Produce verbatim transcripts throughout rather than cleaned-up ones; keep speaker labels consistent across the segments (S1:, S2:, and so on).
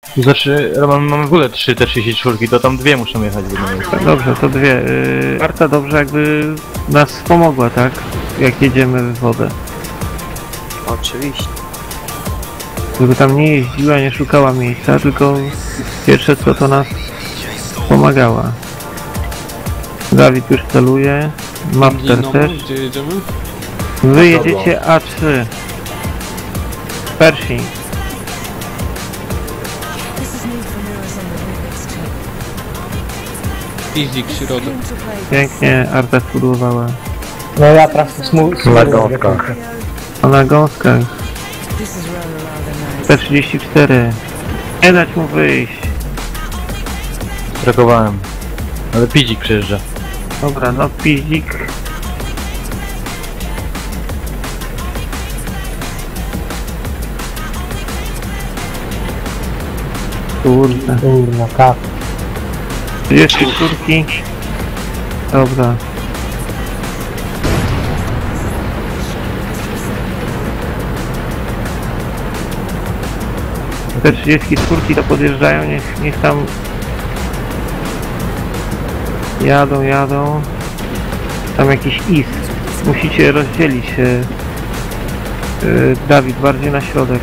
S1: Znaczy, mamy, mamy w ogóle trzy te trzydzieści cztery, to tam dwie muszą jechać w jednym miejscu.
S2: Dobrze, to dwie. Yy, Arta dobrze jakby nas pomogła, tak? Jak jedziemy w wodę.
S3: Oczywiście.
S2: Żeby tam nie jeździła, nie szukała miejsca, tylko pierwsze co to nas pomagała. Dawid już celuje. Mapster też.
S4: Gdzie jedziemy?
S2: Wy jedziecie A trzy. Pershing.
S4: Piździk, środek.
S2: Pięknie Arta spudłowała.
S5: No ja trafię smu...
S6: Na gąskach.
S2: A na gąskach. P trzydzieści cztery. Nie dać mu wyjść.
S1: Trakowałem. Ale Pidzik przyjeżdża.
S2: Dobra, no piździk. Kurde.
S5: Kurna, kap.
S2: trzydzieści cztery. Dobra. Te trzydzieści cztery to podjeżdżają, niech, niech tam jadą, jadą. Tam jakiś is. Musicie rozdzielić się. Yy, Dawid, bardziej na środek.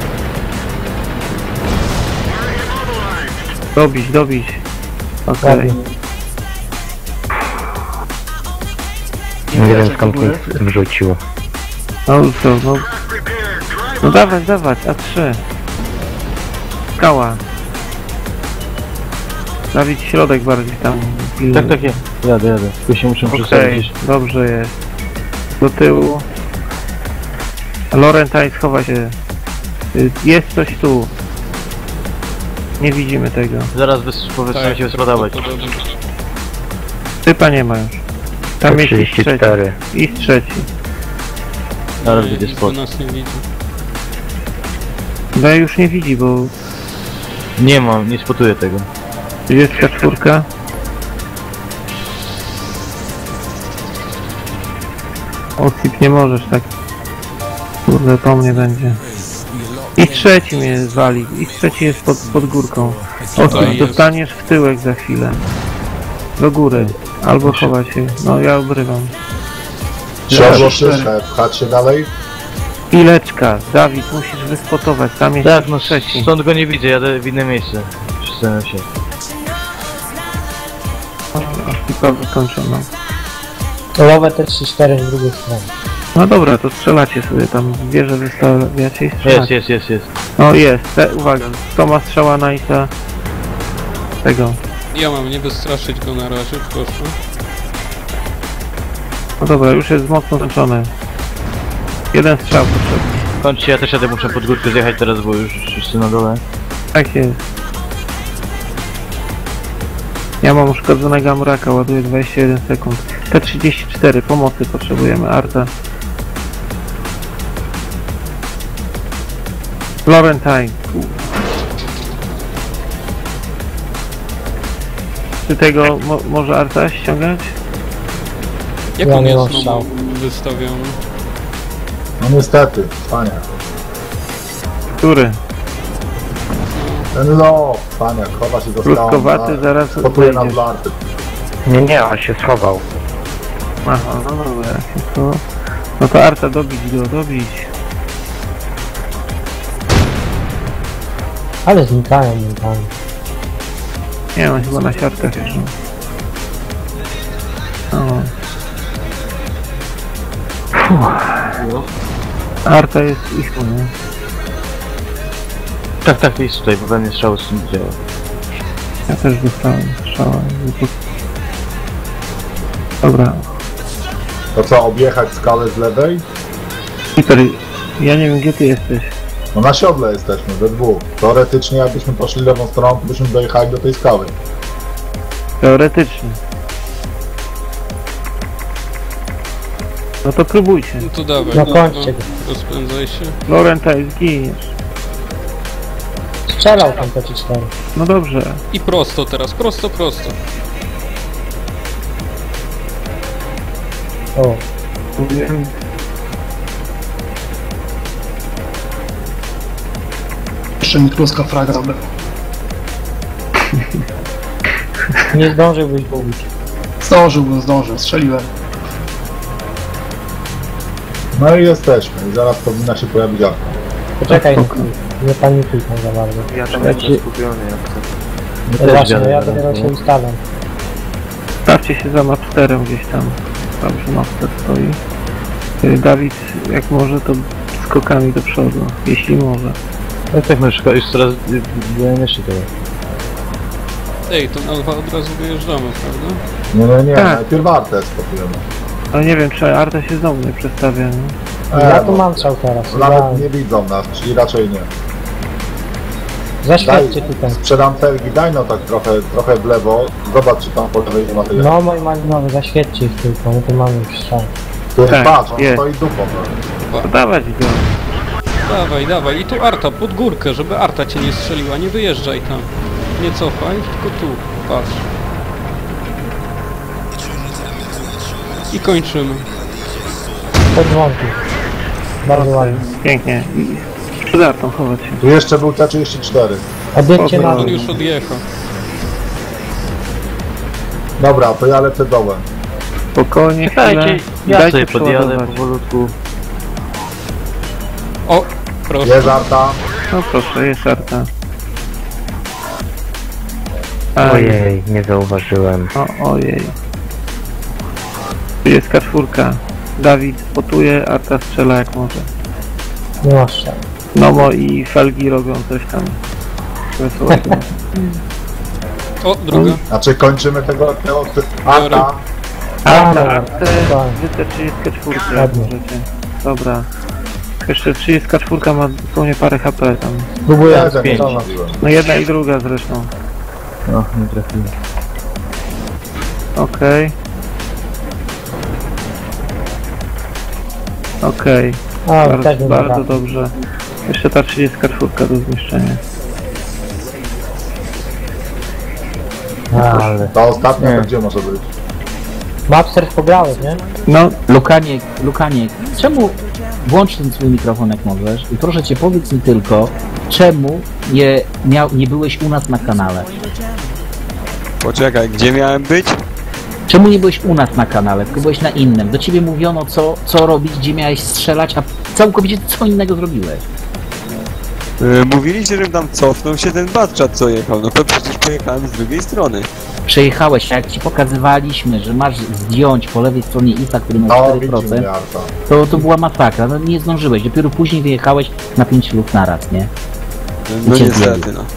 S2: Dobić, dobić. Okej. Okay.
S6: Nie wiem skąd mi wrzucił.
S2: No co, no... No dawać, dawać, A trzy. Skała. Dawid środek bardziej tam.
S1: Tak, tak, jest. Jadę, jadę. Tu się muszę
S2: Okej,
S1: przestawić.
S2: dobrze jest. Do tyłu. Laurentine schowa się. Y, Jest coś tu. Nie widzimy tego.
S1: Zaraz powinien się wysładować.
S2: Typa nie ma już. Tam jest i
S6: trzydzieści cztery.
S2: trzeci. I trzeci.
S1: Zaraz będzie spot.
S4: nas nie widzi.
S2: No już nie widzi, bo
S1: Nie mam, nie spotuję tego.
S2: trzydzieści cztery. Osip nie możesz tak. Kurde, po mnie będzie. I trzeci mnie zwali. I trzeci jest pod, pod górką. Osip, dostaniesz w tyłek za chwilę. Do góry. Albo chować się. No ja obrywam.
S7: Trzeba pchać się dalej.
S2: Pileczka. Dawid, musisz wyspotować. Tam jest
S1: Tak, no
S2: trzeci.
S1: stąd go nie widzę, jadę w inne miejsce. Przesunę się.
S2: Osipa wykończono.
S5: Lowe te trzy cztery z drugiej strony.
S2: No dobra, to strzelacie sobie tam. Wieżę wystawiacie i
S1: Jest,
S2: strzelacie.
S1: jest, jest, jest.
S2: No jest. Te, uwaga. Kto ma strzała Knight'a? Tego.
S4: Ja mam nie wystraszyć go na razie, proszę.
S2: No dobra, już jest mocno zmęczony. Jeden strzał potrzebny.
S1: Kończcie, ja też jadę, muszę pod górkę zjechać teraz, bo już wszyscy na dole.
S2: Tak jest. Ja mam uszkodzonego Amuraka, ładuję dwadzieścia jeden sekund. P trzydzieści cztery, pomocy potrzebujemy, Arta. Laurentine. Czy tego mo może Arta ściągać?
S4: Jak
S5: Ja
S4: on
S5: nie
S4: jest
S5: mam
S4: znowu
S5: strzału.
S4: wystawiony?
S7: No niestety, pania.
S2: Który?
S7: Ten low, pania, chowa się do
S2: Krótkowaty, zaraz
S7: Spotuje na
S2: wejdziesz.
S7: blarty.
S6: Nie, nie, on się schował.
S2: Aha, no dobra, jak to... No to Arta, dobić go, dobić.
S5: Ale znikają momentami.
S2: Nie, on chyba na siatkach już. O. Arta jest ich, nie?
S1: Tak, tak, jest tutaj, bo we mnie strzał z tym działa.
S2: Ja też dostałem strzała. Dobra.
S7: To co, objechać skałę z lewej?
S2: Peter, ja nie wiem gdzie ty jesteś.
S7: No na siodle jesteśmy, we dwóch. Teoretycznie jakbyśmy poszli lewą stroną, to byśmy dojechali do tej skały.
S2: Teoretycznie. No to próbujcie.
S4: No to dawaj,
S5: No
S4: no,
S5: kończcie go.
S4: rozpędzaj się.
S2: Laurentine, zginiesz.
S5: Strzelał tam P cztery.
S2: No dobrze.
S4: I prosto teraz, prosto, prosto.
S5: O,
S2: Mówiłem.
S8: Jeszcze mi kluska fraga zabrał.
S5: Nie zdążyłbyś go ubić.
S8: Zdążyłbym, zdążył, strzeliłem.
S7: No i jesteśmy. I zaraz powinna się pojawić arta.
S5: Poczekaj, nie, nie panikuj tam za bardzo.
S3: Ja tam
S2: Ja
S3: jestem
S2: ci-
S3: skupiony jak to.
S5: No właśnie, no ja dopiero się ustalam.
S2: Stawcie się za mapsterem gdzieś tam. Dobrze, mapster stoi. Y, Dawid, jak może, to skokami do przodu, jeśli może.
S1: No tak, no już, już coraz byłem jeszcze teraz.
S4: Ej, to na dwa od razu wyjeżdżamy, prawda?
S7: Nie, nie, nie.
S2: Tak.
S7: Najpierw artę spokojnie.
S2: Ale nie wiem, czy Arta się znowu nie przestawia, nie?
S5: Ja
S7: E,
S5: tu
S7: no,
S5: mam strzał teraz.
S7: Nawet
S5: Ja...
S7: nie widzą nas, czyli raczej nie.
S5: Zaświadczcie tutaj.
S7: Sprzedam felgi, daj no tak trochę, trochę w lewo. Zobacz, czy tam po lewej nie ma tyle.
S5: No mój malinowy, zaświadczcie ich tylko, no to mamy już strzał.
S7: Tu
S2: tak,
S7: patrz, on
S2: jest.
S7: stoi dupą. No.
S2: To dawać go.
S4: Dawaj, dawaj. I tu Arta, pod górkę, żeby Arta cię nie strzeliła. Nie wyjeżdżaj tam. Nie cofaj, tylko tu. Patrz. I kończymy.
S5: Pod dzwonki. Bardzo ładnie.
S2: Pięknie. I przed Artą chować się.
S7: Tu jeszcze był T trzydzieści cztery.
S5: Odjedźcie na
S2: Dobra.
S4: On
S5: dół.
S4: już odjechał.
S7: Dobra, to ja lecę dołem.
S2: Spokojnie, chwilę.
S1: Dajcie, ja
S2: Dajcie
S1: sobie podjadę
S2: przeładować.
S1: powolutku.
S4: O, proszę.
S7: Jest arta.
S2: No proszę, jest Arta. Aj,
S6: Ojej, nie zauważyłem.
S2: o, ojej. Tu jest kaszfurka. Dawid spotuje, Arta strzela jak może.
S5: Nie masz strzał.
S2: Nomo i Felgi robią coś tam wesołego.
S4: O, druga.
S7: Znaczy kończymy tego, tego arta.
S2: Arta,
S5: dobra.
S2: Artę,
S5: Spokojnie.
S2: wy te trzydzieści cztery jak
S5: Ładnie.
S2: możecie. Dobra. Jeszcze trzydzieści cztery ma dosłownie parę H P tam.
S5: Próbuję
S7: Ja
S1: pięć.
S5: rozpocząć.
S7: mówiłem.
S2: No jedna i druga zresztą.
S1: No, nie trafiłem.
S2: Okej. Okej.
S5: A,
S2: Bardzo,
S5: też nie
S2: bardzo
S5: dobra.
S2: dobrze. Jeszcze ta trzydzieści cztery do zniszczenia.
S5: Ale.
S7: Ta ostatnia to gdzie może być?
S5: Mapster pograłeś, nie?
S2: No,
S9: Lukaniek, Lukaniek, czemu włącz ten swój mikrofon jak możesz i proszę cię powiedz mi tylko, czemu nie, miał, nie byłeś u nas na kanale?
S10: Poczekaj, gdzie miałem być?
S9: Czemu nie byłeś u nas na kanale, tylko byłeś na innym? Do ciebie mówiono co, co robić, gdzie miałeś strzelać, a całkowicie co innego zrobiłeś.
S10: Yy, mówiliście, żebym tam cofnął się ten Batchat co jechał, no to przecież pojechałem z drugiej strony.
S9: Przejechałeś, a jak ci pokazywaliśmy, że masz zdjąć po lewej stronie I S A, który ma
S7: No,
S9: cztery
S7: widzi
S9: procent,
S7: mnie arta.
S9: to, to była masakra, no nie zdążyłeś, dopiero później wyjechałeś na pięć lub naraz, nie?
S10: No
S9: Cię
S10: niestety,
S9: zjedzie.
S10: no.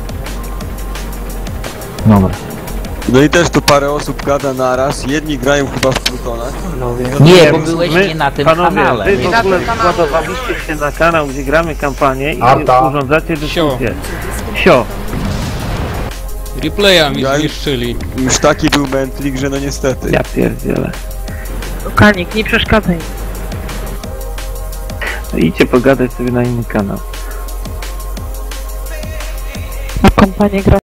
S9: Dobra.
S10: No i też tu parę osób gada naraz, jedni grają chyba w Plutonach.
S9: Nie, bo
S2: my-
S9: byłeś
S2: my-
S9: nie na tym
S2: panowie,
S9: kanale.
S2: wy w ogóle składowaliście się na kanał, gdzie gramy kampanię i
S7: Arta.
S2: urządzacie dyskusję. Sio.
S4: Replaya mi
S10: Ja-
S4: zniszczyli.
S10: Już taki był mętlik, że no niestety.
S2: Ja pierdzielę.
S11: Kanik, nie przeszkadzaj.
S2: No idźcie pogadać sobie na inny kanał.
S11: A kompanię gra